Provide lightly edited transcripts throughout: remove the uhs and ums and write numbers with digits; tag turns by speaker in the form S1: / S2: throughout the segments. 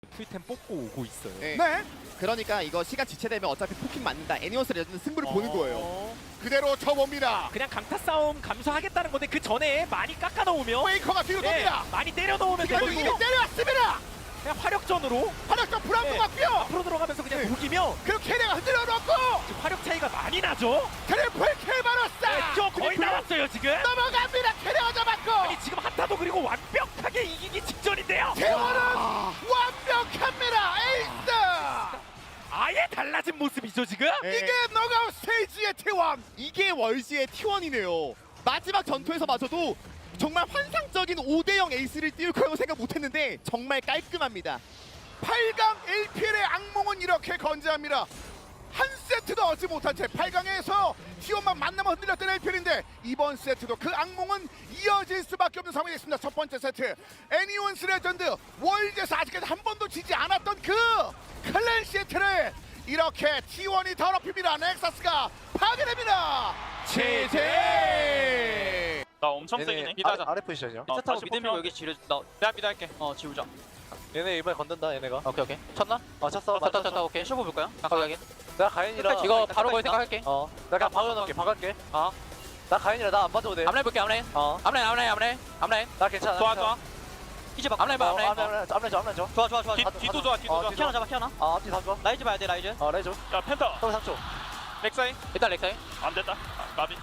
S1: 풀템 뽑고 오고 있어요.
S2: 네.
S3: 네.
S2: 그러니까 이거 시간 지체되면 어차피 포킹 맞는다. 애니원스 레전드 승부를 보는 거예요.
S3: 그대로 쳐봅니다.
S1: 그냥 강타 싸움 감수하겠다는 건데 그 전에 많이 깎아 넣으면
S3: 페이커가 뒤로 돕니다.
S1: 많이 때려 넣으면
S3: 이거
S1: 되거든요.
S3: 이미 때려왔습니다.
S1: 그냥 화력전으로
S3: 화력전 불안도 같고요.
S1: 앞으로 들어가면서 그냥
S3: 네.
S1: 녹이면
S3: 그리고 캐리가 흔들어 놓고
S1: 지금 화력 차이가 많이 나죠.
S3: 트리플 킬 바로싸.
S1: 저 거의 나왔어요 지금.
S3: 넘어갑니다. 캐리가 잡았고.
S1: 아니 지금 한타도 그리고 완벽하게 이기기 직전인데요.
S3: 태원은 완벽합니다. 에이스.
S1: 아예 달라진 모습이죠 지금.
S3: 이게 너가웃 스테이지의 태원.
S2: 이게 월시의 T1이네요. 마지막 전투에서마저도 정말 환상적인 5대0 에이스를 띄울 거라고 생각 못했는데 정말 깔끔합니다.
S3: 8강 LPL의 악몽은 이렇게 건재합니다. 한 세트도 얻지 못한 채 8강에서 T1만 만나면 흔들렸던 LPL인데 이번 세트도 그 악몽은 이어질 수밖에 없는 상황이 됐습니다. 첫 번째 세트 애니원스 레전드 월드에서 아직까지 한 번도 지지 않았던 그 클랜 시애틀을 이렇게 T1이 더럽힙니다. 넥서스가 파괴됩니다. 제제
S4: 나 엄청 세긴 해. 미드하자.
S5: 아래 포지션이요.
S4: 어,
S6: 차 타고
S4: 다시
S6: 미드 밀고
S4: 뽑혀.
S6: 여기 지르 나
S4: 내가 미드 할게.
S6: 지우자.
S5: 얘네 이번에 건든다 얘네가.
S6: 오케이 오케이. 쳤나?
S5: 쳤어.
S6: 쳤다 오케이. 쇼부 볼까요? 가까이.
S5: 나 가인이라.
S6: 이거 바로 걸 생각할게.
S5: 나 그냥 박아놓을게. 박을게. 나 가인이라 나 안 봐도 돼.
S6: 암라인 볼게 암라인. 암라인.
S5: 나 괜찮아.
S4: 좋아 좋아.
S6: 이제 봐. 암라인 봐 암라인.
S5: 암라인 줘.
S6: 좋아.
S4: 뒤도 좋아 뒤도 좋아.
S6: 키아나 잡아 키아나.
S5: 앞뒤 다 좋아.
S6: 라이즈 봐야 돼 라이즈.
S5: 레이저.
S4: 야 펜타.
S5: 서울 3초.
S4: 렉사이.
S6: 일단 렉사이.
S4: 안 됐다. 까비.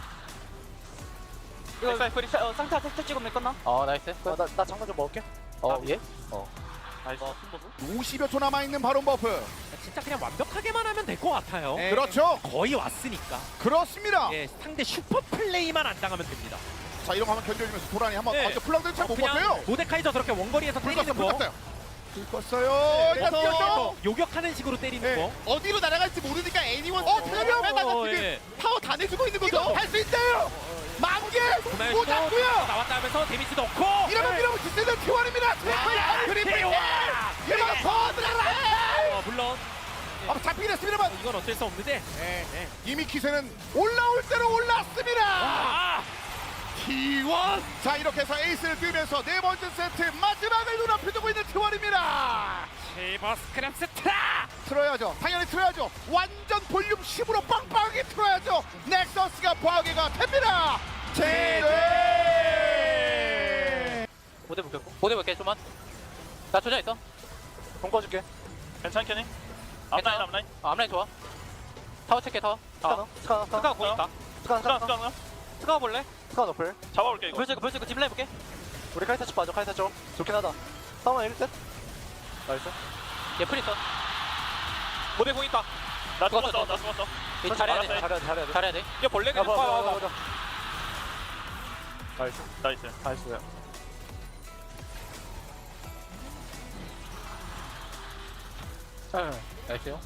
S6: 이거
S4: 렉사이 프리.
S6: 상타 택 찍으면 끝나? 나이스.
S5: 나 장난 좀 먹을게. 얘?
S4: 나이스.
S3: 50여 초 남아있는 바론 버프.
S1: 진짜 그냥 완벽하게만 하면 될 것 같아요.
S2: 네.
S3: 그렇죠.
S1: 거의 왔으니까.
S3: 그렇습니다.
S1: 예, 상대 슈퍼 플레이만 안 당하면 됩니다.
S3: 자 이런 거 한번 견뎌주면서 도란이 한번
S1: 네.
S3: 플랑들 잘못
S1: 그냥
S3: 봤어요.
S1: 모데카이저 저렇게 원거리에서
S3: 불
S1: 때리는
S3: 껐어요.
S1: 거.
S3: 불 껐어요.
S1: 그래서 요격하는 식으로 때리는
S3: 네.
S1: 거.
S2: 어디로 날아갈지 모르니까 애니원스
S3: 태명!
S2: 지금
S1: 예.
S2: 파워 다 내주고 있는 거죠.
S3: 이거 할 수 있어요. 만개
S1: 그날
S3: 못 잡고요.
S1: 나왔다 하면서 데미지 넣고.
S3: 이러면 뒷세대 T1입니다. 트리플
S1: T1!
S3: 이러면 더 들어가.
S1: 물론
S3: 잡히긴 했습니다만
S1: 이건 어쩔 수 없는데.
S3: 이미 기세는 올라올 대로 올랐습니다.
S1: 아,
S3: T1. 자 이렇게 해서 에이스를 띄우면서 네 번째 세트 마지막을 눈앞에 두고 있는 T1입니다.
S1: 실버 스크램 스트라.
S3: 틀어야죠. 당연히 틀어야죠. 완전 볼륨 10으로 빵빵하게 틀어야죠. 넥서스가 파괴가 됩니다. 제대.
S6: 모델 볼게 좀만. 나 조장 있어.
S5: 돈 꺼줄게.
S4: 괜찮겠니? 앞라인 앞라인.
S6: 암라인 좋아. 타워 체크 타워.
S5: 스카
S6: 스카 보니까.
S4: 스카.
S6: 스카 볼래?
S5: 스카 너플.
S4: 잡아볼게 이거.
S6: 벌써 딥라인 볼게.
S5: 우리 카이타치 빠져. 카이타치. 좋긴 하다. 싸움은 1듯. 나이스.
S6: 얘 프리터.
S4: 모델 공 있다. 나
S6: 죽었어,
S4: 죽었어. 나 죽었어.
S6: 얘 잘해야 돼.
S5: 잘해야 돼.
S6: 이거 볼래?
S5: 야,
S6: 그냥 봐.
S5: 나이스.
S4: 나이스.
S5: 나이스야.
S6: 나이스요.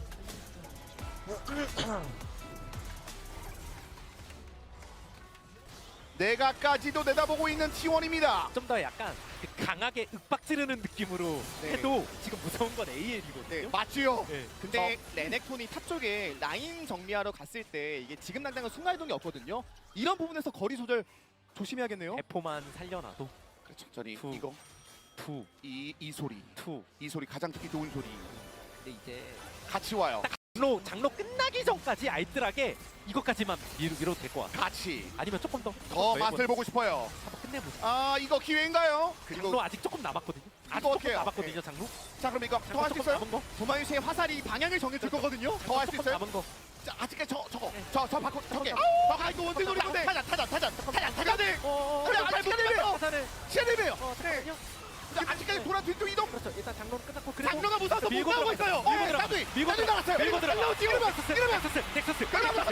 S3: 내가까지도 내다보고 있는 T1입니다.
S1: 좀 더 약간 그 강하게 윽박 지르는 느낌으로
S2: 네.
S1: 해도 지금 무서운 건 AL이거든요.
S2: 네,
S3: 맞지요?
S2: 근데 레넥톤이 탑 쪽에 라인 정리하러 갔을 때 이게 지금 당장은 순간이동이 없거든요. 이런 부분에서 거리 조절 조심해야겠네요.
S1: 대포만 살려놔도
S3: 그렇죠. 저리
S1: 푸.
S3: 이거
S1: 투,
S3: 이 소리
S1: 투.
S3: 이 소리 가장 듣기 좋은 소리
S1: 근데 이제
S3: 같이 와요.
S1: 장로 끝나기 전까지 알뜰하게 이것까지만 밀어도 될 것 같아.
S3: 같이
S1: 아니면 조금 더
S3: 맛을 보고 싶어요.
S1: 한번 끝내보자.
S3: 아 이거 기회인가요?
S1: 장로
S3: 그리고
S1: 아직 조금 남았거든요. 아직
S3: 이거
S1: 조금
S3: 어때요?
S1: 남았거든요, 장로.
S3: 자 그럼 이거 더
S1: 장로
S3: 할 수
S1: 조금
S3: 있어요?
S1: 남은 거.
S2: 도마유시의 화살이 방향을 정해줄 거거든요.
S3: 더 할 수
S1: 조금
S3: 있어요?
S1: 남은 거.
S3: 자 아직까지 저 바꿔 저게 더 이거 원딜
S1: 조금
S3: 노리는데 타잔 그래 아직까지
S1: 화살을.
S3: 시에요.
S1: 잠깐만요.
S3: 자 아직까지 돌아 뒤쪽 이동.
S1: 그렇죠. 일단 장로는 끝났고 그리고
S2: 장로가 무서워서 못
S1: 밀고
S2: 나오고
S1: 들어가.
S2: 있어요.
S1: 밀고 들어가.
S3: 사두이
S1: 밀고
S3: 사두이
S1: 들어가.
S3: 나갔어요.
S1: 밀고 들어가.
S3: 이러면
S1: 넥서스. 넥서스.
S3: 그러면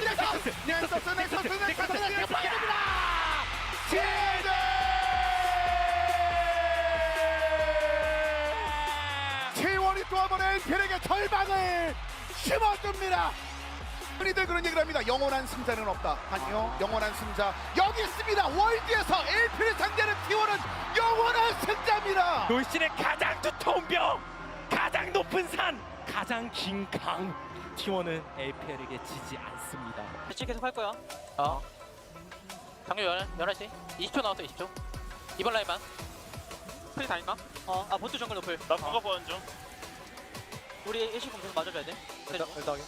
S3: 넥서스 제대. T1이 또 한 번 LPL에게 절반을 심어줍니다. 흔히들 그런 얘기를 합니다. 영원한 승자는 없다. 아니요, 영원한 승자 여기 있습니다. 월드에서 LPL 상대는 T1은 영원한 승자입니다.
S1: 놀신의 가장 두터운 벽, 가장 높은 산, 가장 긴 강. T1은 LPL에게 지지 않습니다.
S6: 대치 계속 할 거야. 당뇨 11시. 20초 나왔어 20초. 이번 라인만.
S4: 프리 다 있나?
S6: 보트 정글 노플.
S4: 나 그거 보는 중.
S6: 우리 일시공 계속 맞아줘야 돼.
S5: 일단 하게.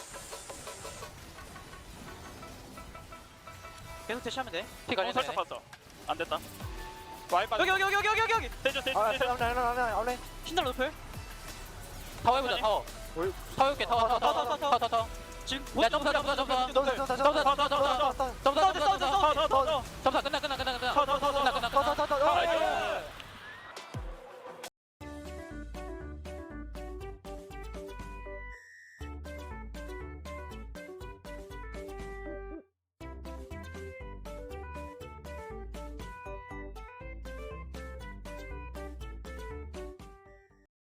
S6: 계속 대시하면 돼. 피 관리
S4: 살짝 봤어. 안 됐다. 와이파.
S6: 여기.
S4: 세주 세주
S5: 아,
S4: 세주.
S5: 아웃라인.
S6: 신달 높여. 타워 해보자. 타워. 타워 해볼게. 타워. 지금
S5: 야, 점사.